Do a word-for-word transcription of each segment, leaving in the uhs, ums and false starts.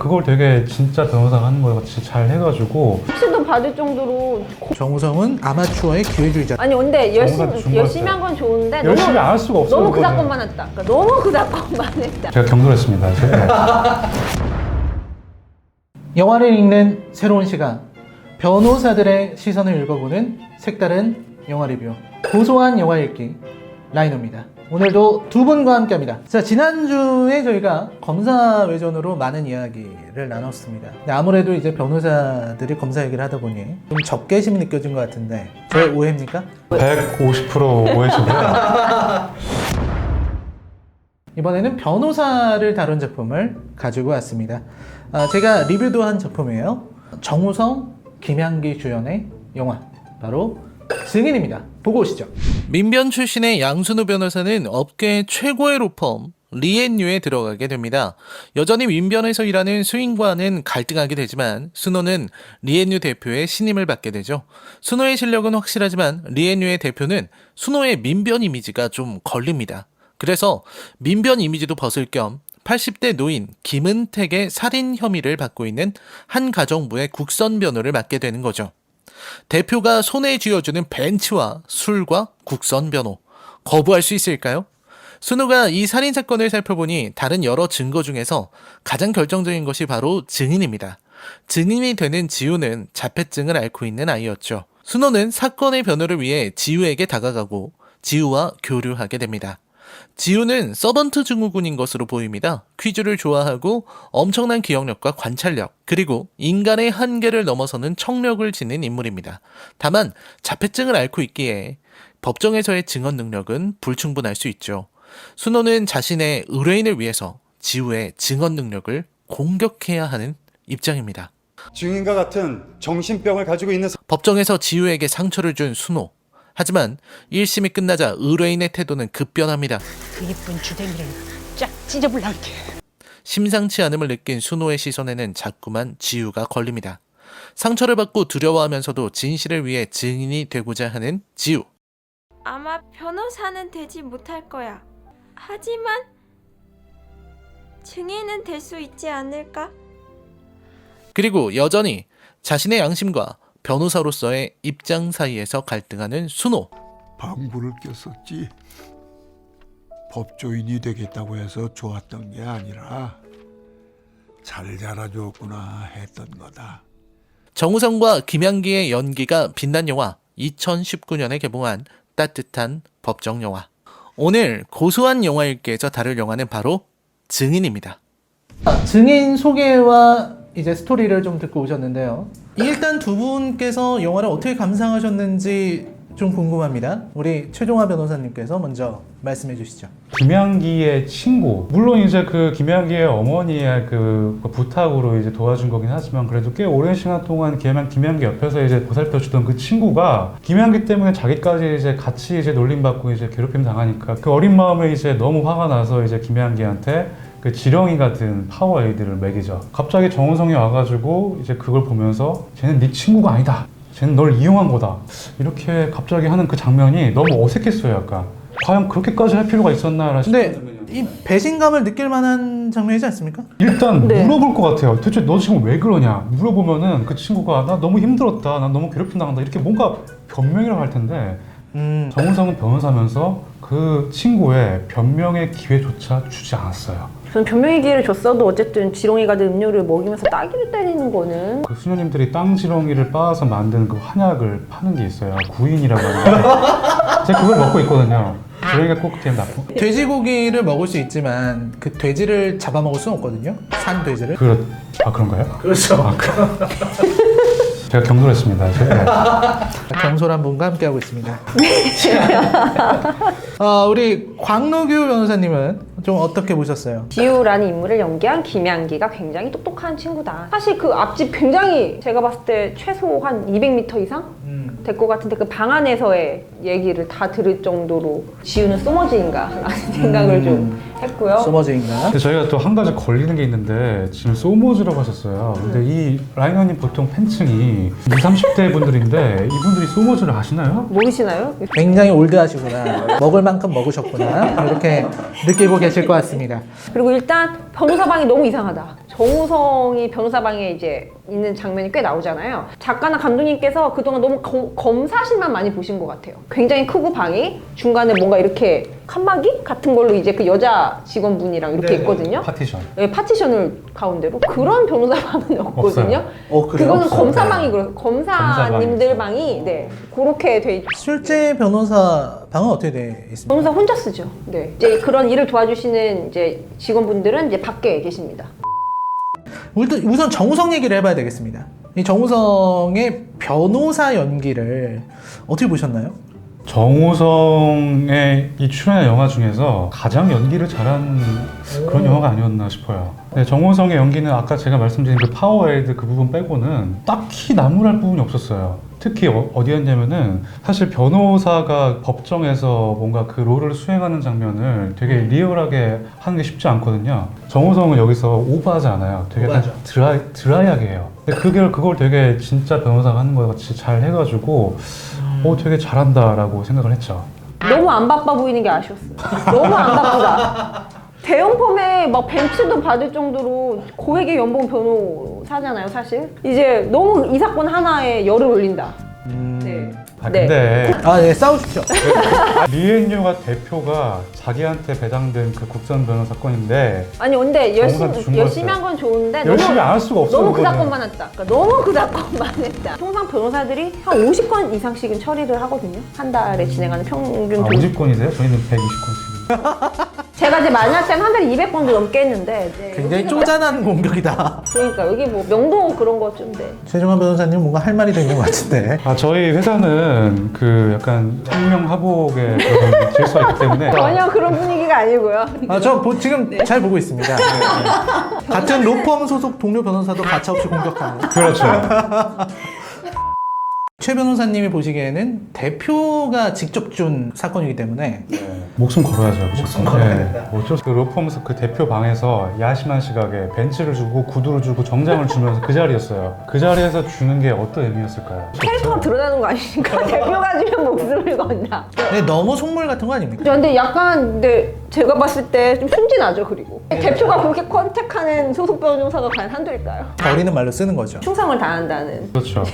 그걸 되게 진짜 변호사가 하는 거 같이 잘 해가지고 혹시도 받을 정도로 고... 정우성은 아마추어의 기회주의자. 아니 근데 정우성한테 열심히 준 열심히 거였어요. 한 건 좋은데 열심히 너무, 안 할 수가 없어요. 너무 그 그거는. 사건만 했다. 그러니까 너무 그 사건만 했다. 제가 경솔했습니다. 제가. 영화를 읽는 새로운 시간, 변호사들의 시선을 읽어보는 색다른 영화 리뷰, 고소한 영화 읽기 라이너입니다. 오늘도 두 분과 함께합니다. 자, 지난주에 저희가 검사 외전으로 많은 이야기를 나눴습니다. 근데 아무래도 이제 변호사들이 검사 얘기를 하다 보니 좀 적개심이 느껴진 것 같은데 저의 오해입니까? 백오십 퍼센트 오해시고요. 이번에는 변호사를 다룬 작품을 가지고 왔습니다. 아, 제가 리뷰도 한 작품이에요. 정우성, 김향기 주연의 영화, 바로 증인입니다. 보고 오시죠. 민변 출신의 양순우 변호사는 업계의 최고의 로펌 리앤유에 들어가게 됩니다. 여전히 민변에서 일하는 수인과는 갈등하게 되지만 순호는 리앤유 대표의 신임을 받게 되죠. 순호의 실력은 확실하지만 리앤유의 대표는 순호의 민변 이미지가 좀 걸립니다. 그래서 민변 이미지도 벗을 겸 팔십 대 노인 김은택의 살인 혐의를 받고 있는 한 가정부의 국선 변호를 맡게 되는 거죠. 대표가 손에 쥐어주는 벤츠와 술과 국선 변호, 거부할 수 있을까요? 순우가 이 살인 사건을 살펴보니 다른 여러 증거 중에서 가장 결정적인 것이 바로 증인입니다. 증인이 되는 지우는 자폐증을 앓고 있는 아이였죠. 순우는 사건의 변호를 위해 지우에게 다가가고 지우와 교류하게 됩니다. 지우는 서번트 증후군인 것으로 보입니다. 퀴즈를 좋아하고 엄청난 기억력과 관찰력, 그리고 인간의 한계를 넘어서는 척력을 지닌 인물입니다. 다만 자폐증을 앓고 있기에 법정에서의 증언 능력은 불충분할 수 있죠. 순호는 자신의 의뢰인을 위해서 지우의 증언 능력을 공격해야 하는 입장입니다. 증인과 같은 정신병을 가지고 있는 사... 법정에서 지우에게 상처를 준 순호. 하지만 일 심이 끝나자 의뢰인의 태도는 급변합니다. 그 이쁜 주댕이를 쫙 찢어볼란게. 심상치 않음을 느낀 순호의 시선에는 자꾸만 지우가 걸립니다. 상처를 받고 두려워하면서도 진실을 위해 증인이 되고자 하는 지우. 아마 변호사는 되지 못할 거야. 하지만 증인은 될 수 있지 않을까? 그리고 여전히 자신의 양심과 변호사로서의 입장 사이에서 갈등하는 순호. 방구를 꼈었지. 법조인이 되겠다고 해서 좋았던 게 아니라 잘 자라줬구나 했던 거다. 정우성과 김향기의 연기가 빛난 영화, 이천십구 년에 개봉한 따뜻한 법정 영화. 오늘 고소한 영화 읽기에서 다룰 영화는 바로 증인입니다. 증인 소개와 이제 스토리를 좀 듣고 오셨는데요. 일단 두 분께서 영화를 어떻게 감상하셨는지 좀 궁금합니다. 우리 최종화 변호사님께서 먼저 말씀해 주시죠. 김향기의 친구, 물론 이제 그 김향기의 어머니의 그 부탁으로 이제 도와준 거긴 하지만 그래도 꽤 오랜 시간 동안 김향, 김향기 옆에서 이제 보살펴 주던 그 친구가 김향기 때문에 자기까지 이제 같이 이제 놀림받고 이제 괴롭힘 당하니까 그 어린 마음에 이제 너무 화가 나서 이제 김향기한테 그 지렁이 같은 파워에이드를 먹이죠. 갑자기 정우성이 와가지고 이제 그걸 보면서 쟤는 네 친구가 아니다. 쟤는 널 이용한 거다. 이렇게 갑자기 하는 그 장면이 너무 어색했어요, 약간. 과연 그렇게까지 할 필요가 있었나? 근데 이 배신감을 느낄 만한 장면이지 않습니까? 일단 네. 물어볼 것 같아요. 대체 너 지금 왜 그러냐? 물어보면은 그 친구가 나 너무 힘들었다. 나 너무 괴롭힘 당한다. 이렇게 뭔가 변명이라고 할 텐데 음. 정우성은 변호사면서 그 친구의 변명의 기회조차 주지 않았어요. 저는 변명의 기회를 줬어도 어쨌든 지렁이가 든 음료를 먹이면서 따귀를 때리는 거는 그 수녀님들이 땅 지렁이를 빻아서 만든 그 한약을 파는 게 있어요. 구인이라고 하는데 제가 그걸 먹고 있거든요. 지렁이가 꼭 되면 나쁜. 돼지고기를 먹을 수 있지만 그 돼지를 잡아먹을 수는 없거든요. 산 돼지를. 그렇 아 그런가요? 그렇죠. 아, 그... 제가 경솔했습니다. 제가. 경솔한 분과 함께하고 있습니다. 어, 우리 광노규 변호사님은 좀 어떻게 보셨어요? 지우라는 인물을 연기한 김향기가 굉장히 똑똑한 친구다. 사실 그 앞집 굉장히 제가 봤을 때 최소 한 이백 미터 이상 음. 될 것 같은데 그 방 안에서의 얘기를 다 들을 정도로 지우는 소머지인가 라는 생각을 음. 좀 했고요. 소머즈인가? 근데 저희가 또 한 가지 걸리는 게 있는데 지금 소모즈라고 하셨어요. 근데 이 라이너님 보통 팬층이 이십, 삼십 대 분들인데 이분들이 소모즈를 아시나요? 모르시나요? 굉장히 올드하시구나. 먹을 만큼 먹으셨구나. 이렇게 느끼고 계실 것 같습니다. 그리고 일단 변호사방이 너무 이상하다. 정우성이 변호사방에 이제 있는 장면이 꽤 나오잖아요. 작가나 감독님께서 그동안 너무 검, 검사실만 많이 보신 것 같아요. 굉장히 크고 방이 중간에 뭔가 이렇게 칸막이 같은 걸로 이제 그 여자 직원분이랑 이렇게 네네. 있거든요. 파티션. 네, 파티션을 가운데로 그런 변호사방은 없거든요. 어, 그래요? 그거는 없어요. 검사방이 그래요. 검사님들 검사방이 방이 네 그렇게 돼 있. 실제 변호사 방은 어떻게 돼 있습니까? 변호사 혼자 쓰죠. 네. 이제 그런 일을 도와주시는 이제 직원분들은 이제 밖에 계십니다. 우선 우선 정우성 얘기를 해봐야 되겠습니다. 이 정우성의 변호사 연기를 어떻게 보셨나요? 정우성의 이 출연한 영화 중에서 가장 연기를 잘한 그런 영화가 아니었나 싶어요. 네, 정우성의 연기는 아까 제가 말씀드린 그 파워에이드 그 부분 빼고는 딱히 나무랄 부분이 없었어요. 특히 어, 어디였냐면은 사실 변호사가 법정에서 뭔가 그 롤을 수행하는 장면을 되게 리얼하게 하는 게 쉽지 않거든요. 정우성은 여기서 오버하지 않아요. 되게 약간 오버하죠. 드라이, 드라이하게 해요. 근데 그걸, 그걸 되게 진짜 변호사가 하는 것 같이 잘 해가지고 오, 되게 잘한다라고 생각을 했죠. 너무 안 바빠 보이는 게 아쉬웠어요. 너무 안 바쁘다. 대형 펌에 막 벤츠도 받을 정도로 고액의 연봉 변호사잖아요, 사실. 이제 너무 이 사건 하나에 열을 올린다. 네. 아 네. 근데 아, 네, 싸우십시오. 리엔유가 대표가 자기한테 배당된 그 국선 변호 사건인데 아니 근데 정우성한테 준 열심히 열심히 거였어요. 한 건 좋은데 열심히 너무, 안 할 수가 없어요. 너무 그 그거는. 사건만 했다. 그러니까 너무 그 사건만 했다. 통상 변호사들이 한 오십 건 이상씩은 처리를 하거든요. 한 달에 진행하는 평균 아, 조- 오십 건이세요? 저희는 백이십 건씩. 제가 이제 만날 때는 한 달에 이백 건도 넘게 했는데 네, 굉장히 여기가- 쪼잔한 공격이다. 그러니까 여기 뭐 명동 그런 거 좀 돼. 최종환 변호사님 뭔가 할 말이 되는 것 같은데. 아 저희 회사는 그 약간 생명하복의 그런 질서가 있기 때문에 전혀 그런 분위기가 아니고요. 아, 저 보- 지금 잘 보고 있습니다. 네, 네. 같은 로펌 소속 동료 변호사도 가차없이 공격하는. 그렇죠. 최 변호사님이 보시기에는 대표가 직접 준 사건이기 때문에 목숨 걸어야죠. 목숨 걸어야 된다. 어쩔 수, 그 로펌에서 그 대표 방에서 야심한 시각에 벤츠를 주고 구두를 주고 정장을 주면서 그 자리였어요. 그 자리에서 주는 게 어떤 의미였을까요? 캐릭터가 드러나는 거 아니니까 대표가 주면 목숨을 건다. 네, 너무 속물 같은 거 아닙니까? 근데 약간 근데 제가 봤을 때 좀 순진하죠. 그리고 대표가 그렇게 컨택하는 소속 변호사가 과연 한둘일까요? 버리는 말로 쓰는 거죠. 충성을 다한다는. 그렇죠.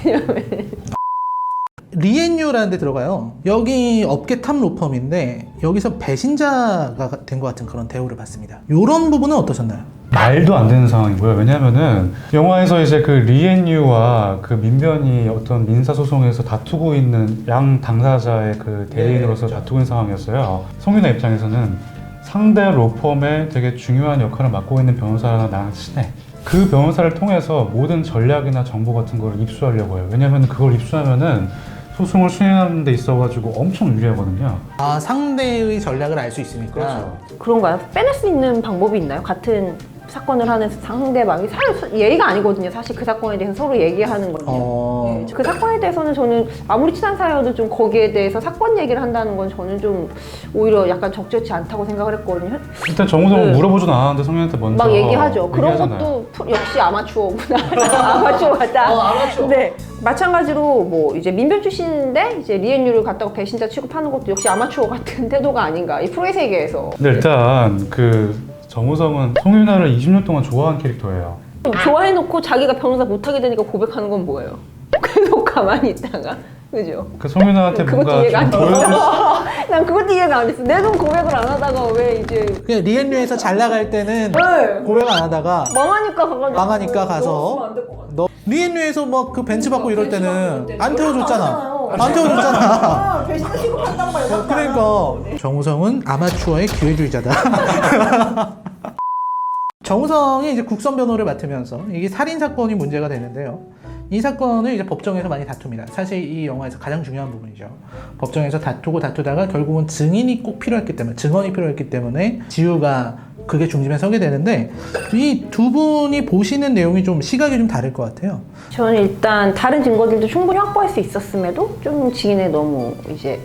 리엔유라는 데 들어가요. 여기 업계 탑 로펌인데 여기서 배신자가 된 것 같은 그런 대우를 받습니다. 이런 부분은 어떠셨나요? 말도 안 되는 상황이고요. 왜냐면은 영화에서 이제 그 리엔유와 그 민변이 어떤 민사소송에서 다투고 있는 양 당사자의 그 대리인으로서 다투고 있는 상황이었어요. 송윤아 입장에서는 상대 로펌에 되게 중요한 역할을 맡고 있는 변호사랑 나랑 친해. 그 변호사를 통해서 모든 전략이나 정보 같은 걸 입수하려고 해요. 왜냐면 그걸 입수하면은 소송을 수행하는 데 있어가지고 엄청 유리하거든요. 아, 상대의 전략을 알 수 있으니까. 그렇죠. 그런가요? 빼낼 수 있는 방법이 있나요? 같은 사건을 하는 상대방이 사실 예의가 아니거든요. 사실 그 사건에 대해서 서로 얘기하는 건요. 어... 네, 그 사건에 대해서는 저는 아무리 친한 사이여도 좀 거기에 대해서 사건 얘기를 한다는 건 저는 좀 오히려 약간 적절치 않다고 생각을 했거든요. 일단 정우성은 네. 물어보지도 않았는데 성현한테 먼저 막 얘기하죠. 그런 얘기하잖아요. 것도 프로- 역시 아마추어구나. 아마추어 같다. 어, 아마추어. 네. 마찬가지로 뭐 이제 민변 출신인데 이제 리엔유를 갖다가 배신자 취급하는 것도 역시 아마추어 같은 태도가 아닌가. 이 프로의 세계에서. 근데 일단 그 정우성은 송윤아를 이십 년 동안 좋아한 캐릭터예요. 좋아해놓고 자기가 변호사 못하게 되니까 고백하는 건 뭐예요? 계속 가만히 있다가. 그죠? 그 송윤아한테 그것도 뭔가 이해가 안 좀 됐어. 보여줄 난 그것도 이해가 안 됐어. 내 돈 고백을 안 하다가 왜 이제 그냥 리엔유에서 잘 나갈 때는 네. 고백 안 하다가 망하니까 가가지고 망하니까 가서 넣었으면 안될것 같아. 너 리엔유에서 막 그 벤츠 받고 이럴 때는 안 안 태워줬잖아. 하잖아요. 안 태워줬잖아. 아, 배신자 취급한다고 말고. 그러니까 정우성은 아마추어의 기회주의자다. 정우성이 이제 국선 변호를 맡으면서 이게 살인 사건이 문제가 되는데요. 이 사건을 이제 법정에서 많이 다툽니다. 사실 이 영화에서 가장 중요한 부분이죠. 법정에서 다투고 다투다가 결국은 증인이 꼭 필요했기 때문에, 증언이 필요했기 때문에 지우가 그게 중심에 서게 되는데 이 두 분이 보시는 내용이 좀 시각이 좀 다를 것 같아요. 저는 일단 다른 증거들도 충분히 확보할 수 있었음에도 좀 증인에 너무 이제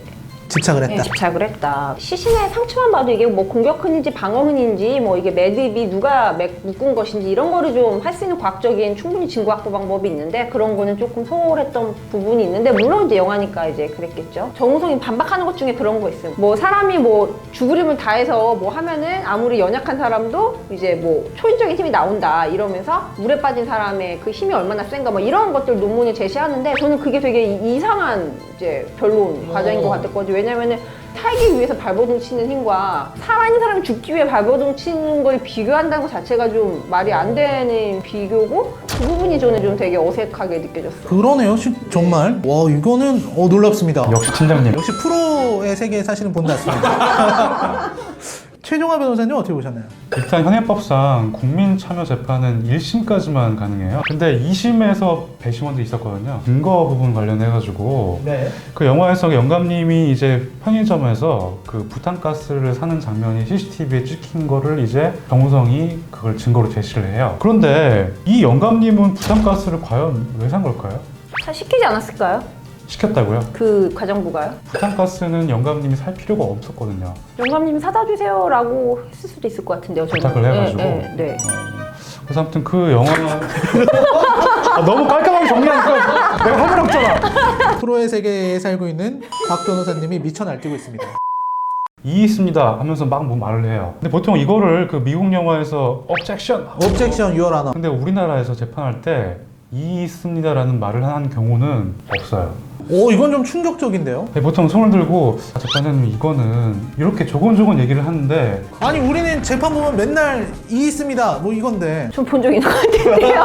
집착을 네, 했다. 집착을 했다. 시신의 상처만 봐도 이게 뭐 공격흔인지 방어흔인지 뭐 이게 매듭이 누가 맥- 묶은 것인지 이런 거를 좀 할 수 있는 과학적인 충분히 증거 확보 방법이 있는데 그런 거는 조금 소홀했던 부분이 있는데 물론 이제 영화니까 이제 그랬겠죠. 정우성이 반박하는 것 중에 그런 거 있어요. 뭐 사람이 뭐 죽을 힘을 다해서 뭐 하면은 아무리 연약한 사람도 이제 뭐 초인적인 힘이 나온다 이러면서 물에 빠진 사람의 그 힘이 얼마나 센가 뭐 이런 것들 논문을 제시하는데 저는 그게 되게 이- 이상한 이제 변론 과정인 것 같았거든요. 왜냐면은 살기 위해서 발버둥 치는 힘과 살아있는 사람이 죽기 위해 발버둥 치는 걸 비교한다는 것 자체가 좀 말이 안 되는 비교고 그 부분이 저는 좀 되게 어색하게 느껴졌어요. 그러네요. 시- 정말. 와, 이거는 어, 놀랍습니다. 역시 팀장님. 역시 프로의 세계에 사시는 분 같습니다. 최종화 변호사님 어떻게 보셨나요? 일단 현행법상 국민참여재판은 일 심까지만 가능해요. 근데 이 심에서 배심원들이 있었거든요. 증거 부분 관련해가지고 네. 그 영화에서 영감님이 이제 편의점에서 그 부탄가스를 사는 장면이 씨씨티비에 찍힌 거를 이제 정우성이 그걸 증거로 제시를 해요. 그런데 이 영감님은 부탄가스를 과연 왜 산 걸까요? 사 시키지 않았을까요? 시켰다고요? 그 가정부가요? 부탄가스는 영감님이 살 필요가 없었거든요. 영감님이 사다 주세요라고 했을 수도 있을 것 같은데요. 저는. 부탁을 해가지고. 네, 네, 네. 그래서 아무튼 그 영화 아, 너무 깔끔하게 정리하니까 내가 할 말 없잖아. 프로의 세계에 살고 있는 박 변호사님이 미쳐 날뛰고 있습니다. 이 있습니다 하면서 막 뭐 말을 해요. 근데 보통 이거를 그 미국 영화에서 objection 옵젝션 유얼 하나. 근데 우리나라에서 재판할 때 이 있습니다라는 말을 한 경우는 없어요. 오, 이건 좀 충격적인데요? 근데 보통 손을 들고 아, 재판장님 이거는 이렇게 조곤조곤 얘기를 하는데 아니, 우리는 재판 보면 맨날 이 있습니다. 뭐 이건데. 좀 본 적 있는 것 같은데요.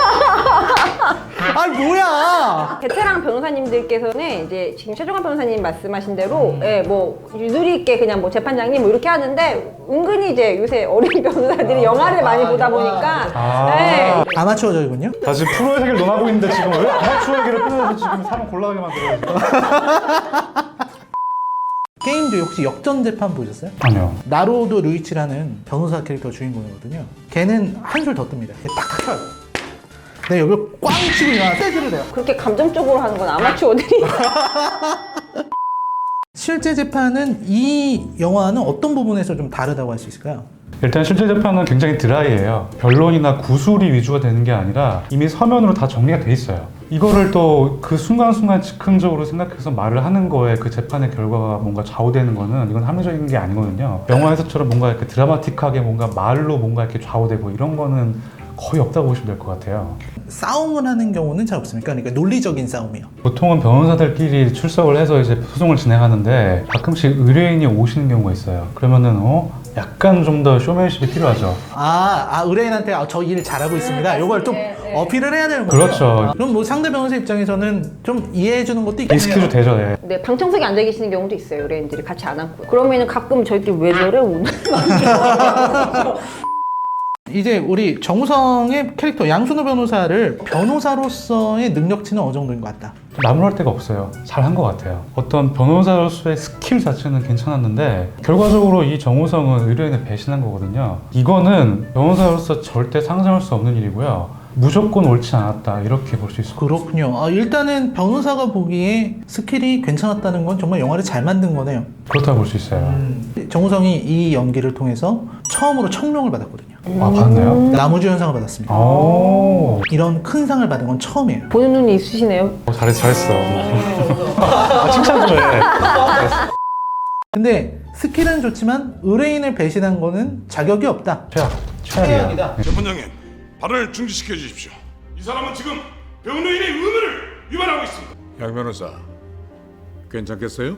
아니, 뭐야! 베테랑 변호사님들께서는 이제 지금 최종환 변호사님 말씀하신 대로 예, 뭐 유두리 있게 그냥 뭐 재판장님 뭐 이렇게 하는데 은근히 이제 요새 어린 변호사들이 영화를 많이 보다 보니까 아. 예, 아마추어적이군요? 나 지금 프로의 세계를 논하고 있는데 지금 왜 아마추어 얘기를 끊어서 지금 사람 곤란하게 만들어요. 게임 중에 혹시 역전 재판 보셨어요? 아니요. 나로도 루이치라는 변호사 캐릭터 주인공이거든요. 걔는 한술 더 뜹니다. 걔 탁탁 쳐요. 내 여기 꽝 치고 일어나 세기를 돼요. 그렇게 감정적으로 하는 건 아마추어들이 실제 재판은 이 영화는 어떤 부분에서 좀 다르다고 할 수 있을까요? 일단 실제 재판은 굉장히 드라이해요. 변론이나 구술이 위주가 되는 게 아니라 이미 서면으로 다 정리가 돼 있어요. 이거를 또 그 순간순간 즉흥적으로 생각해서 말을 하는 거에 그 재판의 결과가 뭔가 좌우되는 거는 이건 합리적인 게 아니거든요. 영화에서처럼 뭔가 이렇게 드라마틱하게 뭔가 말로 뭔가 이렇게 좌우되고 이런 거는 거의 없다고 보시면 될 것 같아요. 싸움을 하는 경우는 잘 없습니까? 그러니까 논리적인 싸움이요. 보통은 변호사들끼리 출석을 해서 이제 소송을 진행하는데 가끔씩 의뢰인이 오시는 경우가 있어요. 그러면은 어 약간 좀 더 쇼맨십이 필요하죠. 아, 아 의뢰인한테 아, 저 일 잘하고 있습니다. 이걸 좀 어필을 해야 되는 거죠. 그렇죠. 아, 그럼 뭐 상대 변호사 입장에서는 좀 이해해 주는 것도 있겠네요. 리스크도 되죠. 네. 네, 방청석에 앉아 계시는 경우도 있어요. 의뢰인들이 같이 안 앉고 그러면은 가끔 저희끼리 왜 저래 오늘 이제 우리 정우성의 캐릭터 양순호 변호사를 변호사로서의 능력치는 어느 정도인 것 같다. 나무랄 데가 없어요. 잘한 것 같아요. 어떤 변호사로서의 스킬 자체는 괜찮았는데 결과적으로 이 정우성은 의뢰인을 배신한 거거든요. 이거는 변호사로서 절대 상상할 수 없는 일이고요. 무조건 옳지 않았다 이렇게 볼 수 있을 것 같아요. 그렇군요. 아, 일단은 변호사가 보기에 스킬이 괜찮았다는 건 정말 영화를 잘 만든 거네요. 그렇다고 볼 수 있어요. 정우성이 이 연기를 통해서 처음으로 청룡을 받았거든요. 아 봤나요? 나무주연상을 받았습니다. 오 이런 큰 상을 받은 건 처음이에요. 보는 눈이 있으시네요. 어, 잘했어 잘했어. 아, 칭찬 좀 해. 근데 스킬은 좋지만 의뢰인을 배신한 거는 자격이 없다. 최악 최악이야. 재판장님, 발언을 중지시켜 주십시오. 이 사람은 지금 변호인의 의무를 위반하고 있습니다. 양 변호사, 괜찮겠어요?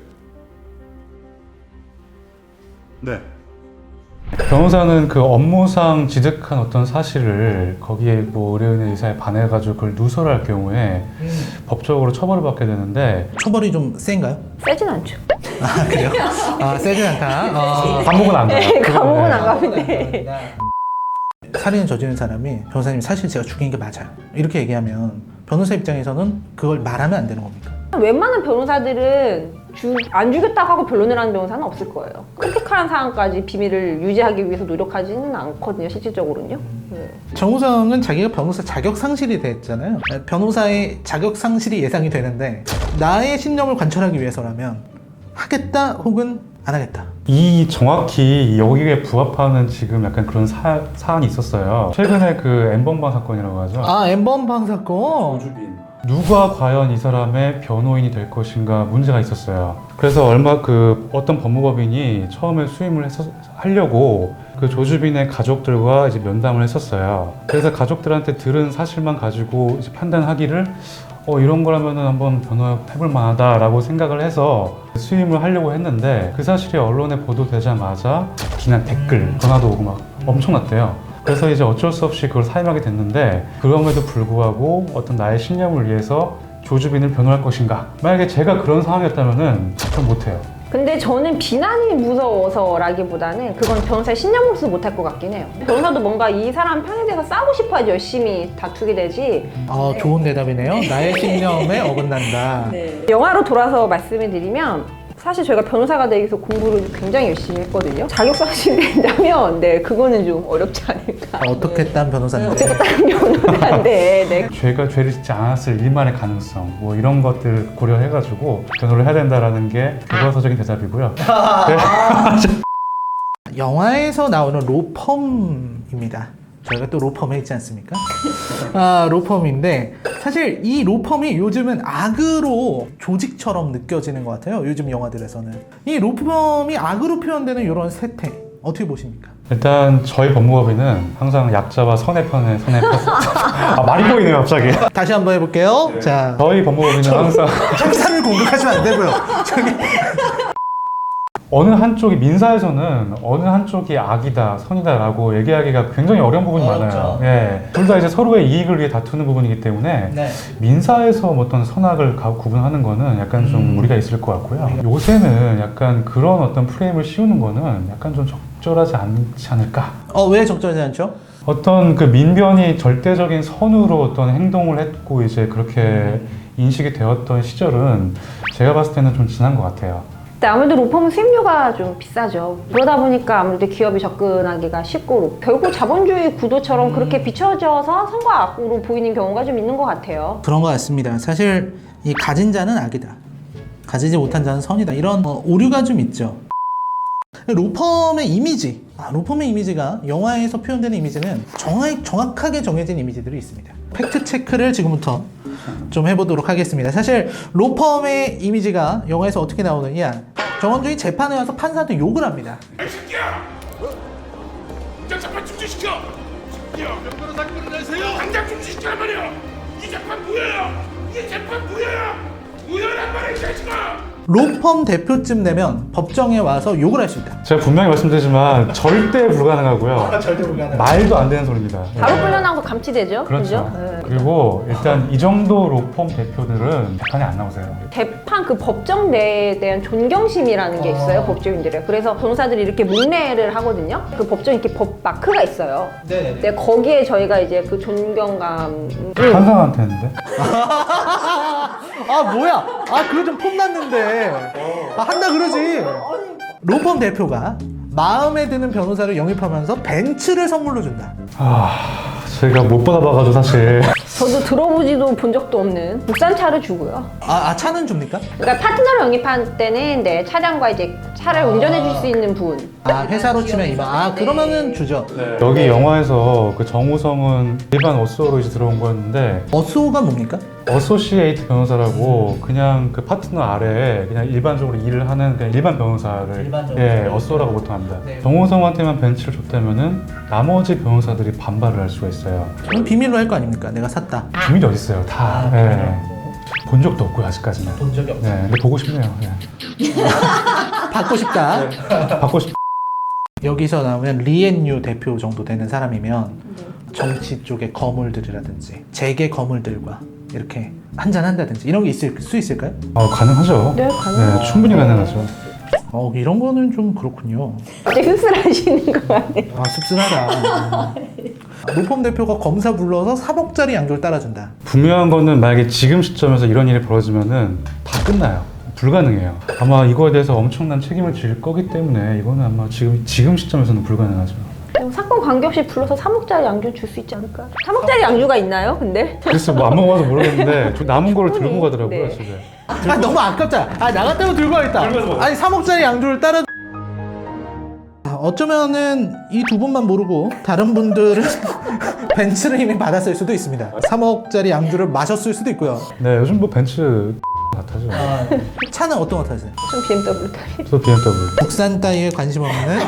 네. 변호사는 그 업무상 지득한 어떤 사실을 거기에 뭐 의뢰인의 의사에 반해가지고 그걸 누설할 경우에 법적으로 처벌을 받게 되는데 처벌이 좀 센가요? 세진 않죠. 아, 그래요? 아, 세진 않다. 어. 감옥은 안 가요. 네, 감옥은 그거는. 안 가는데. 살인을 저지른 사람이 변호사님 사실 제가 죽인 게 맞아요. 이렇게 얘기하면 변호사 입장에서는 그걸 말하면 안 되는 겁니까? 웬만한 변호사들은 주, 안 죽였다고 하고 변론을 하는 변호사는 없을 거예요. 크리티컬한 상황까지 비밀을 유지하기 위해서 노력하지는 않거든요, 실질적으로는요. 네. 정우성은 자기가 변호사 자격 상실이 됐잖아요. 변호사의 자격 상실이 예상이 되는데 나의 신념을 관철하기 위해서라면 하겠다 혹은 안 하겠다. 이 정확히 여기에 부합하는 지금 약간 그런 사, 사안이 있었어요. 최근에 그 엠번방 사건이라고 하죠. 아 엠번방 사건. 누가 과연 이 사람의 변호인이 될 것인가 문제가 있었어요. 그래서 얼마 그 어떤 법무법인이 처음에 수임을 했었, 하려고 그 조주빈의 가족들과 이제 면담을 했었어요. 그래서 가족들한테 들은 사실만 가지고 이제 판단하기를 어 이런 거라면은 한번 변호해볼 만하다라고 생각을 해서 수임을 하려고 했는데 그 사실이 언론에 보도되자마자 비난 댓글 전화도 오고 막 엄청났대요. 그래서 이제 어쩔 수 없이 그걸 사임하게 됐는데 그럼에도 불구하고 어떤 나의 신념을 위해서 조주빈을 변호할 것인가? 만약에 제가 그런 상황이었다면은 전 못해요. 근데 저는 비난이 무서워서라기보다는 그건 변호사의 신념으로서 못할 것 같긴 해요. 변호사도 뭔가 이 사람 편에 대해서 싸우고 싶어야지 열심히 다투게 되지. 어, 좋은 대답이네요. 나의 신념에 어긋난다. 영화로 돌아서 말씀을 드리면 사실 저희가 변호사가 되기 위해서 공부를 굉장히 열심히 했거든요. 자격상실이 된다면 네 그거는 좀 어렵지 않을까. 어떻게 딴 변호사인데? 어떻게 다른 변호사인데 네. 죄가 죄를 짓지 않았을 일만의 가능성 뭐 이런 것들 고려해가지고 변호를 해야 된다라는 게 교과서적인 대답이고요. 영화에서 나오는 로펌입니다. 저희가 또 로펌에 있지 않습니까? 아, 로펌인데 사실 이 로펌이 요즘은 악으로 조직처럼 느껴지는 것 같아요. 요즘 영화들에서는. 이 로펌이 악으로 표현되는 이런 세태 어떻게 보십니까? 일단 저희 법무법인은 항상 약자와 선의 편에 선의 편. 아 말이 보이네요 갑자기. 다시 한번 해볼게요. 자, 저희 법무법인은 항상 형사를 공격하시면 안 되고요. 저기 어느 한쪽이 민사에서는 어느 한쪽이 악이다, 선이다라고 얘기하기가 굉장히 어려운 부분이 어렵죠. 많아요. 예, 둘 다 이제 서로의 이익을 위해 다투는 부분이기 때문에 네. 민사에서 뭐 어떤 선악을 가- 구분하는 거는 약간 좀 음. 무리가 있을 것 같고요. 요새는 약간 그런 어떤 프레임을 씌우는 거는 약간 좀 적절하지 않지 않을까? 어, 왜 적절하지 않죠? 어떤 그 민변이 절대적인 선으로 어떤 행동을 했고 이제 그렇게 인식이 되었던 시절은 제가 봤을 때는 좀 지난 것 같아요. 근데 아무래도 로펌은 수임료가 좀 비싸죠. 그러다 보니까 아무래도 기업이 접근하기가 쉽고 결국 자본주의 구도처럼 그렇게 비춰져서 선과 악으로 보이는 경우가 좀 있는 것 같아요. 그런 것 같습니다. 사실 이 가진 자는 악이다. 가지지 못한 자는 선이다. 이런 어, 오류가 좀 있죠. 로펌의 이미지, 아, 로펌의 이미지가 영화에서 표현되는 이미지는 정확, 정확하게 정해진 이미지들이 있습니다. 팩트 체크를 지금부터 좀 해보도록 하겠습니다. 사실 로펌의 이미지가 영화에서 어떻게 나오느냐, 정원중이 재판에 와서 판사한테 욕을 합니다. 이 새끼야! 당장 재판 중지시켜! 새끼야! 몇 변호사님을 내세요! 당장 중지시키란 말이야! 이 재판 무효야! 이 재판 무효야! 무효란 말이야 이 자식아! 로펌 대표쯤 되면 법정에 와서 욕을 할 수 있다. 제가 분명히 말씀드리지만 절대 불가능하고요. 절대 불가능. 말도 안 되는 소리입니다. 바로 네. 끌려나오고 감치되죠. 그렇죠. 그죠? 네. 그리고 일단 이 정도 로펌 대표들은 재판에 안 나오세요. 재판 그 법정 내에 대한 존경심이라는 게 있어요. 법조인들의. 그래서 변호사들이 이렇게 문례를 하거든요. 그 법정에 이렇게 법 마크가 있어요. 네네네. 근데 거기에 저희가 이제 그 존경감을 판사한테 했는데? 아 뭐야? 아 그거 좀 폼났는데. 아 한다 그러지. 로펌 대표가 마음에 드는 변호사를 영입하면서 벤츠를 선물로 준다. 아, 제가 못 받아봐가지고 사실. 저도 들어보지도 본 적도 없는 국산차를 주고요. 아, 아 차는 줍니까? 그러니까 파트너를 영입할 때는 네, 차량과 이제 차를 운전해 줄 수 있는 분. 아 회사로 치면 이만. 아 그러면은 주죠. 여기 영화에서 그 정우성은 일반 어쏘로 이제 들어온 거였는데 어쏘가 뭡니까? 어소시에이트 변호사라고 그냥 그 파트너 아래에 그냥 일반적으로 일을 하는 그냥 일반 변호사를 일반적으로. 예, 어쏘라고 보통 합니다. 네. 정우성한테만 벤츠를 줬다면은 나머지 변호사들이 반발을 할 수가 있어요. 그럼 비밀로 할 거 아닙니까? 내가 샀다. 비밀이 어디 있어요? 다. 아, 예. 본 적도 없고요 아직까지는. 본 적이 없어. 네, 근데 보고 싶네요. 예. 받고 싶다. 받고 싶. 여기서 나오면 리앤유 대표 정도 되는 사람이면 정치 쪽의 거물들이라든지 재계 거물들과 이렇게 한잔 한다든지 이런 게 있을 수 있을까요? 어, 가능하죠. 네, 가능하죠. 네, 충분히 가능하죠. 어 이런 거는 좀 그렇군요. 이제 흡수하시는 거 같아요. 아 씁쓸하다. 로펌 대표가 검사 불러서 삼억짜리 양조를 따라준다. 분명한 거는 만약에 지금 시점에서 이런 일이 벌어지면은 다 끝나요. 불가능해요. 아마 이거에 대해서 엄청난 책임을 질 거기 때문에 이거는 아마 지금 지금 시점에서는 불가능하죠. 그냥 사건 관계없이 불러서 삼억짜리 양주 줄 수 있지 않을까? 삼억짜리 양주가 있나요? 근데 글쎄 뭐 안 먹어봐서 모르겠는데 저 남은 거를 들고 가더라고요 네. 집에. 아 너무 아깝잖아. 아 나 같으면 들고 가겠다. 아니 삼억짜리 양주를 따라. 아, 어쩌면은 이 두 분만 모르고 다른 분들은 벤츠를 이미 받았을 수도 있습니다. 삼억짜리 양주를 마셨을 수도 있고요. 네 요즘 뭐 벤츠 같아죠. 아, 차는 어떤 거 타세요? 좀 비엠더블유 타기. 저 비엠더블유. 국산 따위에 관심 없는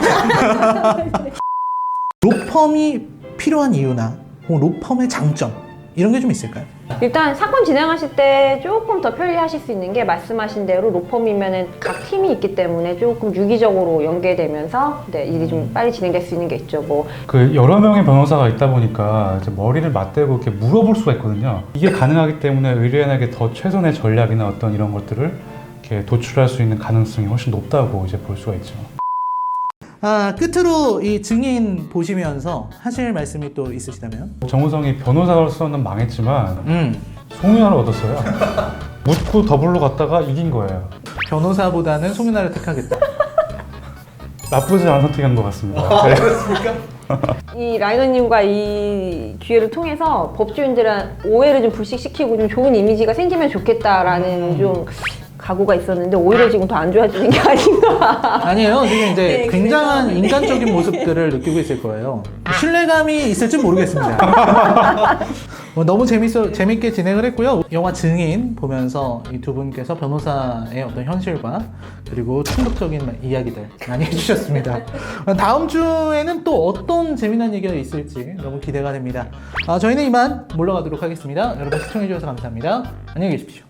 로펌이 필요한 이유나 혹은 로펌의 장점 이런 게 좀 있을까요? 일단 사건 진행하실 때 조금 더 편리하실 수 있는 게 말씀하신 대로 로펌이면은 각 팀이 있기 때문에 조금 유기적으로 연계되면서 네, 일이 좀 빨리 진행될 수 있는 게 있죠. 뭐 그 여러 명의 변호사가 있다 보니까 이제 머리를 맞대고 이렇게 물어볼 수가 있거든요. 이게 가능하기 때문에 의뢰인에게 더 최선의 전략이나 어떤 이런 것들을 이렇게 도출할 수 있는 가능성이 훨씬 높다고 이제 볼 수가 있죠. 아 끝으로 이 증인 보시면서 하실 말씀이 또 있으시다면? 정우성이 변호사로서는 망했지만 음 송윤아를 얻었어요. 묻고 더블로 갔다가 이긴 거예요. 변호사보다는 송윤아를 택하겠다. 나쁘지 않은 선택한 것 같습니다. 네. 이 라이너님과 이 기회를 통해서 법조인들한 오해를 좀 불식시키고 좀 좋은 이미지가 생기면 좋겠다라는 좀 각오가 있었는데 오히려 지금 더 안 좋아지는 게 아닌가. 아니에요. 지금 이제 네, 굉장한 그래서- 인간적인 모습들을 느끼고 있을 거예요. 신뢰감이 있을지 모르겠습니다. 어, 너무 재밌어, 재밌게 진행을 했고요. 영화 증인 보면서 이 두 분께서 변호사의 어떤 현실과 그리고 충격적인 이야기들 많이 해주셨습니다. 어, 다음 주에는 또 어떤 재미난 얘기가 있을지 너무 기대가 됩니다. 아, 저희는 이만 물러가도록 하겠습니다. 여러분 시청해주셔서 감사합니다. 안녕히 계십시오.